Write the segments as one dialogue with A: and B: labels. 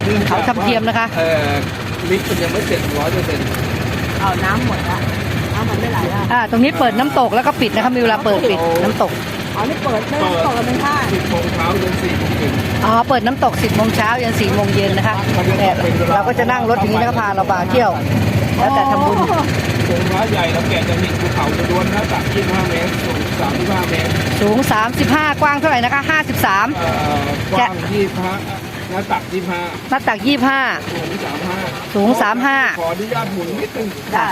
A: เขาทำเทียมนะคะ
B: ลิฟต์มันยังไม่เสร็จ100%
C: เอาน้ำหมดละน้ำมันไม่ไหลละ
A: ตรงนี้เปิดน้ำตกแล้วก็ปิดนะคะมีเวลาเปิดปิดน้ำตก
C: อ๋อนี่เปิดไม่ตกกันเป็นท่า
B: 10 โมงเช้าจน4 โมงเย็น
A: เปิดน้ำตก10 โมงเช้ายัน4 โมงเย็นนะคะเนี่ยเราก็จะนั่งรถอย่างนี้นะคะพาเราไปเที่ยวแล้วแต่ทำบุญ
B: องค์พระใหญ่เราแกะจะหินภูเขาจะล้วนหน้าตัก25 เมตรสูง35 เมตร
A: สูง35กว้างเท่าไหร่นะคะ53
B: กว้าง25หน้าตัก25
A: หน้าตัก25สูง35
B: ขออนุญาตหมุนนิดนึง
A: ได้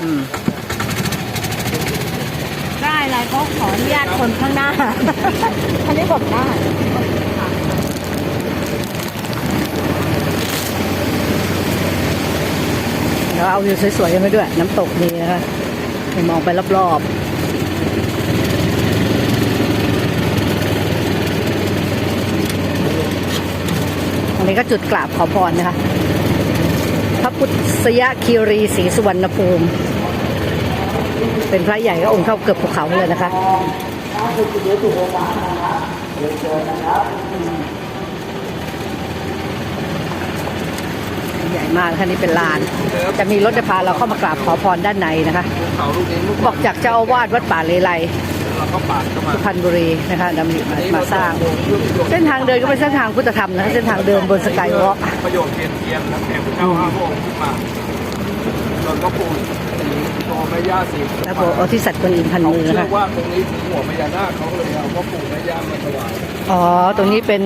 C: ได้อะไรก็ขออนุญาตคนข้างหน้าอันนี้ผมได้
A: เราเอาวิวสวยๆกันไปด้วยน้ำตกนี่นะคะไปมองไปรอบๆอันนี้ก็จุดกราบขอพรนะคะพระพุทธยคีรีศรีสุวรรณภูมิเป็นพระใหญ่ก็องค์เท่าเกือบภูเขาเลยนะคะใหญ่มากค่ะนี่เป็นลานจะมีรถจะพาเราเข้ามากราบขอพรด้านในนะคะบอกจากเจ้าอาวาสวัดป่าเลไลสุพรรณบุรีนะคะนำมาสร้างเส้นทางเดินก็เป็นเส้นทางพุทธธรรมนะคะเส้นทางเดินบนสกายวอล์ก
B: ประโยชน์เทียนและแผ่พระเจ้า5 พระองค์ขึ้นมาจนก็ปูตัวแม่ย่าสี
A: แล้วก็เอาที่สัตว์กวนอิมพันมือนะคะ
B: เชื่อว่าตรงนี้ถึงหัวพญานาคเขาเลยเอาพ่อปู่แม่ย่ามาถวาย
A: ตรงนี้เป็น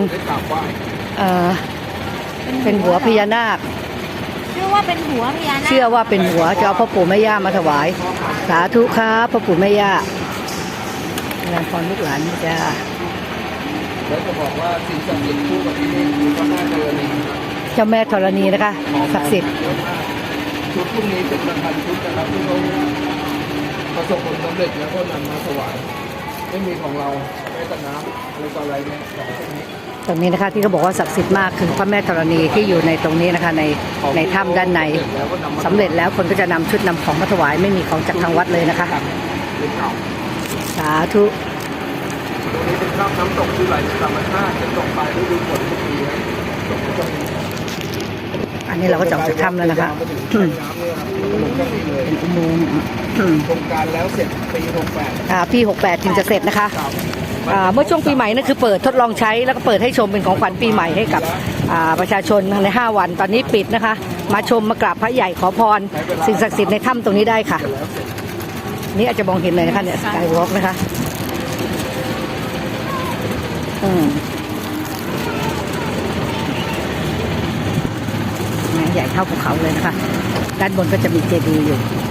A: เป็นหัวพญานาค
C: เชื่อว่าเป็นหัวพญานาค
A: เชื่อว่าเป็นหัวจะเอาพ่อปู่แม่ย่ามาถวายสาธุครับพ่อปู่แม่ย่าแรงพรลูกหลานจ้า
B: แล้วจะบอกว่าสิ่งศักดิ์สิทธิ์คู่กับที่นี่คือพระแม่ธรณี
A: เจ้าแม่ธรณีนะคะศักดิ์สิทธิ์
B: ชุดพวกนี้เป็น1,000 ชุดนะครับที่เขาประสบผลสำเร็จแล้วก็นำมาถวายไม่มีของเราแม้แต่น้ำอะไรเนี่ยของพวกนี้
A: ตรงนี้นะคะที่เขาบอกว่าศักดิ์สิทธิ์มากคือพระแม่ธรณีที่อยู่ในตรงนี้นะคะในถ้ำด้านในสำเร็จแล้วคนก็จะนำชุดนำของมาถวายไม่มีของจากทางวัดเลยนะคะสาธุ
B: ตรงนี้เป็นน้ำตกที่ไหลธรรมชาติจะตกไปฤดูฝนทุกปี
A: อันนี้เราก็จะออกจากถ้ำแล้วนะคะเป็นอุโมงค์
B: โครงการแล้วเสร็จ
A: ปี68ถึงจะเสร็จนะคะเมื่อช่วงปีใหม่นั่นคือเปิดทดลองใช้แล้วก็เปิดให้ชมเป็นของขวัญปีใหม่ให้กับประชาชนใน5 วันตอนนี้ปิดนะคะมาชมมากราบพระใหญ่ขอพรสิ่งศักดิ์สิทธิ์ในถ้ำตรงนี้ได้ค่ะนี่อาจจะมองเห็นเลยนะคะเนี่ยสกายวอล์กนะคะใหญ่เท่าภูเขาเลยนะคะด้านบนก็จะมีเจดีย์อยู่